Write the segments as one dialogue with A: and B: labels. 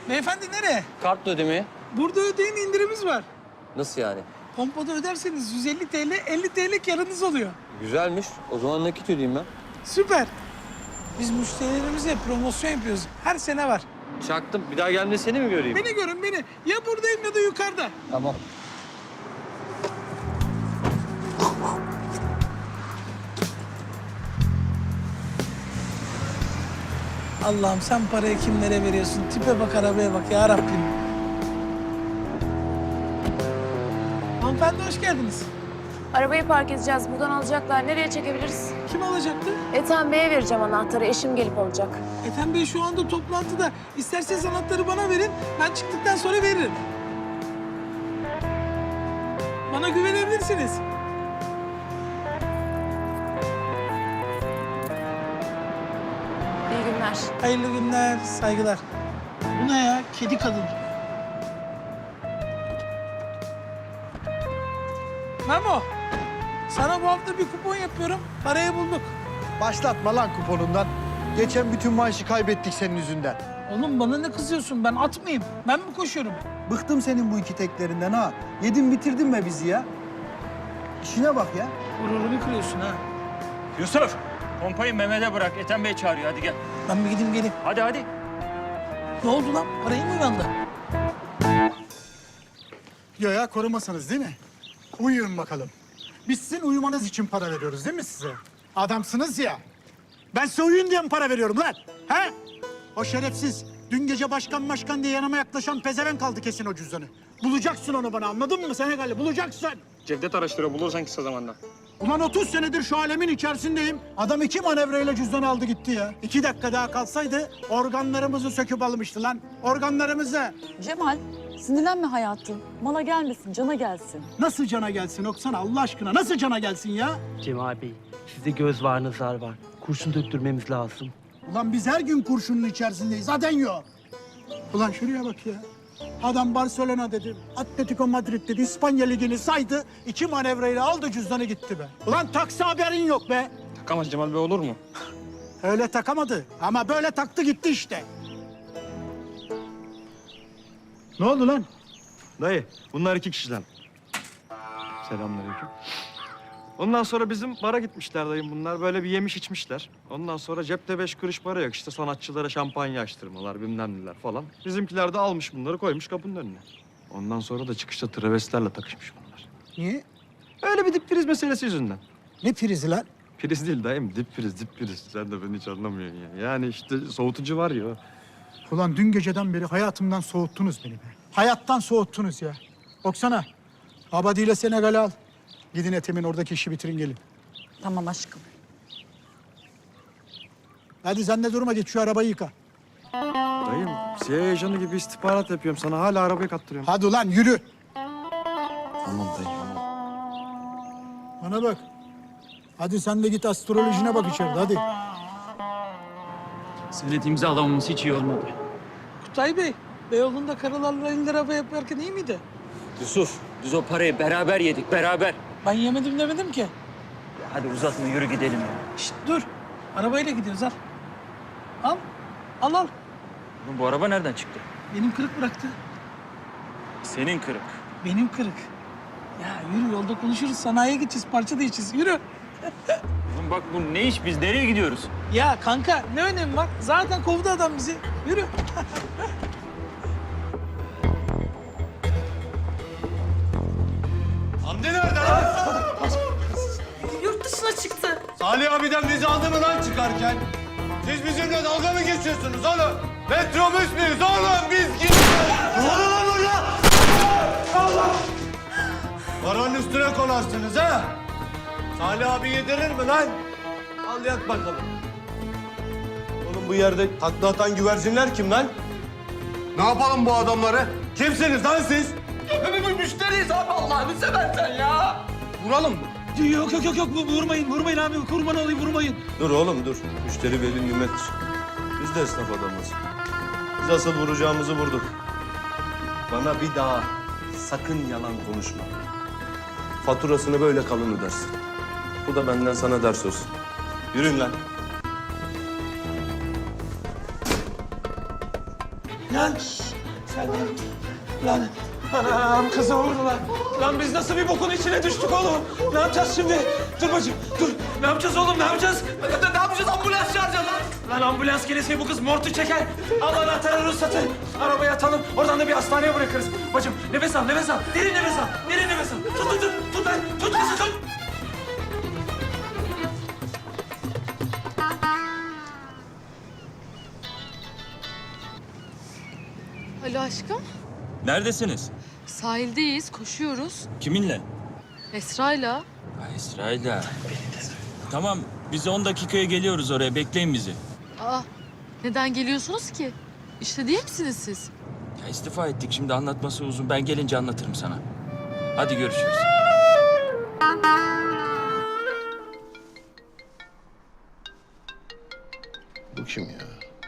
A: Beyefendi nereye?
B: Kartla ödemeye.
A: Burada ödeyin, indirimimiz var.
B: Nasıl yani?
A: Pompada öderseniz 150 TL, 50 TL karınız oluyor.
B: Güzelmiş. O zaman nakit ödeyeyim ben.
A: Süper. Biz müşterilerimize promosyon yapıyoruz. Her sene var.
B: Çaktım. Bir daha geldiğinde seni mi göreyim?
A: Beni görün beni. Ya buradayım ya da yukarıda.
B: Tamam.
A: Allah'ım sen parayı kimlere veriyorsun? Tipe bak, arabaya bak ya Rabbim. Hanımefendi hoş geldiniz.
C: Arabayı park edeceğiz. Buradan alacaklar. Nereye çekebiliriz?
A: Kim alacaktı?
C: Ethem Bey'e vereceğim anahtarı. Eşim gelip alacak.
A: Ethem Bey şu anda toplantıda. İsterseniz anahtarı bana verin. Ben çıktıktan sonra veririm. Bana güvenebilirsiniz.
C: İyi günler.
A: Hayırlı günler, saygılar. Bu ne ya? Kedi kadın. Memo, sana bu hafta bir kupon yapıyorum. Parayı bulduk.
D: Başlatma lan kuponundan. Geçen bütün maaşı kaybettik senin yüzünden.
A: Oğlum bana ne kızıyorsun? Ben at mıyım? Ben mi koşuyorum?
D: Bıktım senin bu iki teklerinden ha. Yedin bitirdin be bizi ya. İşine bak ya.
A: Gururumu kırıyorsun ha.
E: Yusuf, pompayı Mehmet'e bırak. Ethem Bey çağırıyor. Hadi gel.
A: Ben bir gideyim geleyim.
E: Hadi hadi.
A: Ne oldu lan? Parayı mı uyandı?
F: Ya korumasanız değil mi? Uyuyun bakalım. Biz sizin uyumanız için para veriyoruz değil mi size? Adamsınız ya. Ben size uyuyun diye mi para veriyorum lan? He? O şerefsiz dün gece başkan diye yanıma yaklaşan pezevenk kaldı kesin o cüzdanı. Bulacaksın onu bana, anladın mı Senegalli? Bulacaksın.
E: Cevdet araştırıyor. Bulursan kısa zamanda.
F: Ulan 30 senedir şu alemin içerisindeyim. Adam 2 manevrayla cüzdanı aldı gitti ya. 2 dakika daha kalsaydı organlarımızı söküp almıştı lan. Organlarımızı.
G: Cemal, sinirlenme hayatım. Mala gelmesin, cana gelsin.
F: Nasıl cana gelsin Oksana Allah aşkına? Nasıl cana gelsin ya?
H: Cemal Bey, sizde göz var, nazar var. Kurşun döktürmemiz lazım.
F: Ulan biz her gün kurşunun içerisindeyiz. Zaten yok. Ulan şuraya bak ya. Adam Barcelona dedi, Atletico Madrid dedi, İspanya Ligi'ni saydı. 2 manevrayla aldı cüzdanı gitti be. Ulan taksi haberin yok be.
E: Takamaz Cemal Bey, olur mu?
F: Öyle takamadı ama böyle taktı gitti işte. Ne oldu lan?
I: Dayı, bunlar 2 kişiden. Selamünaleyküm. Ondan sonra bizim bara gitmişler dayım bunlar. Böyle bir yemiş içmişler. Ondan sonra cepte 5 kuruş para yok. İşte sanatçılara şampanya açtırmalar, bilmem neler falan. Bizimkiler de almış bunları, koymuş kapının önüne. Ondan sonra da çıkışta travestilerle takışmış bunlar.
F: Niye?
I: Öyle bir dip priz meselesi yüzünden.
F: Ne prizi lan?
I: Priz değil dayım, dip priz, dip priz. Sen de beni hiç anlamıyorsun ya. Yani işte soğutucu var ya.
F: Ulan dün geceden beri hayatımdan soğuttunuz beni be. Hayattan soğuttunuz ya. Oksana, Abadi ile Senegal'i al. Gidin Ethem'in oradaki işi bitirin gelin.
G: Tamam aşkım.
F: Hadi sen de durma, git şu arabayı yıka.
I: Dayım, CIA ajanı gibi istihbarat yapıyorum. Sana hala arabayı kaptırıyorum.
F: Hadi ulan yürü.
I: Tamam dayım.
F: Bana bak. Hadi sen de git astrolojine bak içeride hadi.
E: Senet imzalamamız hiç iyi olmadı.
A: Kutay Bey, Beyoğlu'nda karılarla indi araba yaparken iyi miydi?
B: Yusuf, biz o parayı beraber yedik, beraber.
A: Ben yemedim demedim ki.
B: Hadi uzatma, yürü gidelim ya.
A: Şişt dur. Arabayla gidiyoruz al. Al. Al al.
E: Oğlum, bu araba nereden çıktı?
A: Benim kırık bıraktı.
E: Senin kırık.
A: Benim kırık. Ya yürü yolda konuşuruz. Sanayiye gideceğiz, parça değişeceğiz. Yürü.
E: Oğlum bak, bu ne iş? Biz nereye gidiyoruz?
A: Ya kanka ne önemi var? Zaten kovdu adam bizi. Yürü.
D: Hamdi nerede lan?
C: Yurt dışına çıktı.
D: Salih abiden bizi aldı mı lan çıkarken? Siz bizimle dalga mı geçiyorsunuz oğlum? Metrobüs müyüz oğlum biz gidiyoruz? Ne oluyor lan burada? Allah! Paranın üstüne konarsınız ha? Salih abi yedirir mi lan? Al yat bakalım. Oğlum bu yerde takla atan güvercinler kim lan? Ne yapalım bu adamları? Kimsiniz lan siz?
B: Müşteriyiz abi, Allah'ını seversen ya.
D: Vuralım mı?
A: Yok yok yok yok vurmayın vurmayın abi kurban olayım vurmayın.
D: Dur oğlum dur. Müşteri veli nimettir. Biz de esnaf adamız. Biz asıl vuracağımızı vurduk. Bana bir daha sakın yalan konuşma. Faturasını böyle kalın ödersin. Bu da benden sana ders olsun. Yürüyün lan.
A: Lan. Sen lan. Anam kızı vurdular. Lan biz nasıl bir bokun içine düştük oğlum? Ne yapacağız şimdi? Dur bacım dur. Ne yapacağız oğlum ne yapacağız?
B: Ne yapacağız? Ambulans çağıracağız lan.
A: Lan ambulans gelirse bu kız mortu çeker. Al anahtarı ruhsatı. Arabaya atalım. Oradan da bir hastaneye bırakırız. Bacım nefes al nefes al. Derin nefes al. Derin nefes al. Tut lan. Tut kızı tut.
G: Alo aşkım.
E: Neredesiniz?
G: Sahildeyiz, koşuyoruz.
E: Kiminle?
G: Esra'yla.
E: Ha, Esra'yla. Tamam, biz 10 dakikaya geliyoruz oraya. Bekleyin bizi.
G: Aa, neden geliyorsunuz ki? İşte değil misiniz siz?
E: Ya istifa ettik. Şimdi anlatması uzun. Ben gelince anlatırım sana. Hadi görüşürüz.
D: Bu kim ya?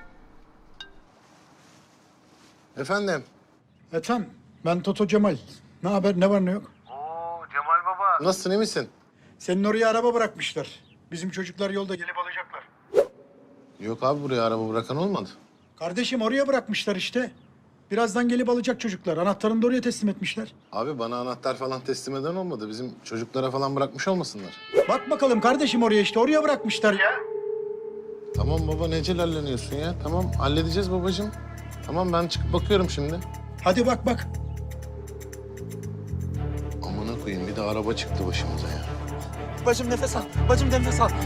D: Efendim?
F: Ethem, ben Toto Cemal. Ne haber, ne var ne yok?
D: Nasılsın, iyi misin?
F: Senin oraya araba bırakmışlar. Bizim çocuklar yolda gelip alacaklar.
D: Yok abi, buraya araba bırakan olmadı.
F: Kardeşim oraya bırakmışlar işte. Birazdan gelip alacak çocuklar. Anahtarını da oraya teslim etmişler.
D: Abi bana anahtar falan teslim eden olmadı. Bizim çocuklara falan bırakmış olmasınlar.
F: Bak bakalım kardeşim oraya işte. Oraya bırakmışlar ya.
D: Tamam baba, ne celalleniyorsun ya? Tamam, halledeceğiz babacığım. Tamam, ben çıkıp bakıyorum şimdi.
F: Hadi bak bak.
D: Amına koyayım, bir de araba çıktı başımıza ya.
A: Bacım nefes al. Bacım nefes al.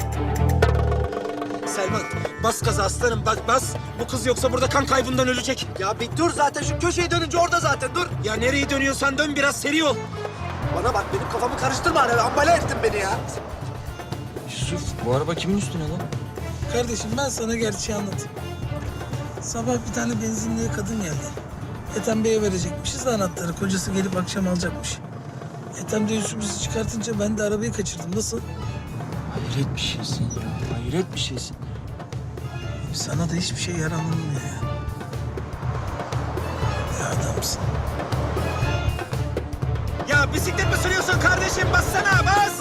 A: Selman bas gaza aslanım bas. Bu kız yoksa burada kan kaybından ölecek.
B: Ya bir dur zaten şu köşeyi dönünce orada zaten dur.
A: Ya nereye dönüyorsan dön biraz seri ol.
B: Bana bak benim kafamı karıştırma. Ambale ettin beni ya.
E: Yusuf, bu araba kimin üstüne lan?
A: Kardeşim ben sana gerçeği anlatayım. Sabah bir tane benzinliğe kadın geldi. Ethem Bey'e verecekmişiz de anahtarı. Kocası gelip akşam alacakmış. Ethem de Yusuf'u çıkartınca ben de arabayı kaçırdım. Nasıl?
E: Hayret bir şeysin ya. Hayret bir şeysin.
A: Sana da hiçbir şey yaranılmıyor ya. Ya adamsın. Ya bisiklet mi sürüyorsun kardeşim? Bassana bas!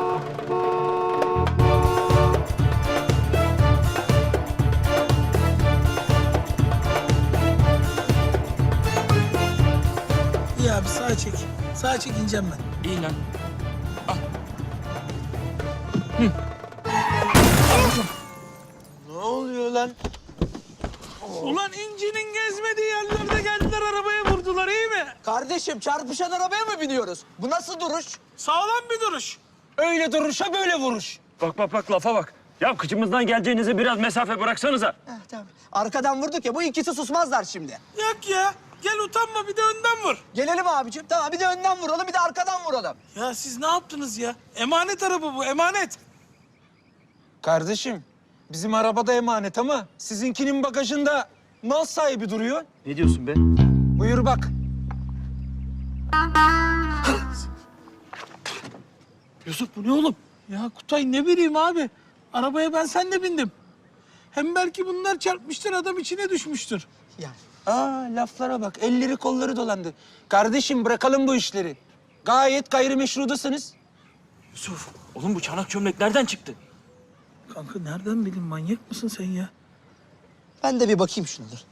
A: İyi abi sağa çek. Sağa çek ineceğim ben.
E: İyi lan.
B: Ne oluyor lan?
A: Ulan incinin gezmediği yerlerde geldiler arabaya vurdular iyi mi?
B: Kardeşim çarpışan arabaya mı biniyoruz? Bu nasıl duruş?
A: Sağlam bir duruş. Öyle duruşa böyle vuruş.
E: Bak lafa bak. Ya kıçımızdan geleceğinize biraz mesafe bıraksanıza.
B: Tamam. Arkadan vurduk ya bu ikisi susmazlar şimdi.
A: Yok ya. Gel utanma bir de önden vur.
B: Gelelim abicim. Tamam bir de önden vuralım bir de arkadan vuralım.
A: Ya siz ne yaptınız ya? Emanet araba bu emanet.
J: Kardeşim, bizim arabada emanet ama sizinkinin bagajında mal sahibi duruyor.
E: Ne diyorsun be?
J: Buyur bak.
A: Yusuf bu ne oğlum? Ya Kutay ne bileyim abi. Arabaya ben senle bindim. Hem belki bunlar çarpmıştır adam içine düşmüştür.
B: Ya
J: Aa laflara bak, elleri kolları dolandı. Kardeşim bırakalım bu işleri. Gayet gayrimeşrudasınız.
A: Yusuf.
E: Oğlum bu çanak çömlek nereden çıktı?
A: Kanka nereden bileyim manyak mısın sen ya?
B: ben de bir bakayım şuna dur.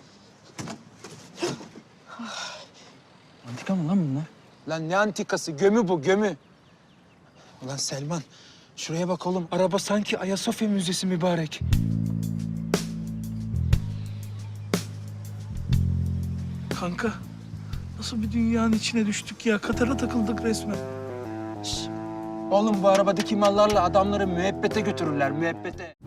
E: Antika mı lan bunlar?
J: Lan ne antikası, gömü bu, gömü. Ulan Selman, şuraya bak oğlum. Araba sanki Ayasofya Müzesi mübarek.
A: Kanka nasıl bir dünyanın içine düştük ya? Katara takıldık resmen.
J: Oğlum bu arabadaki mallarla adamları müebbete götürürler, müebbete.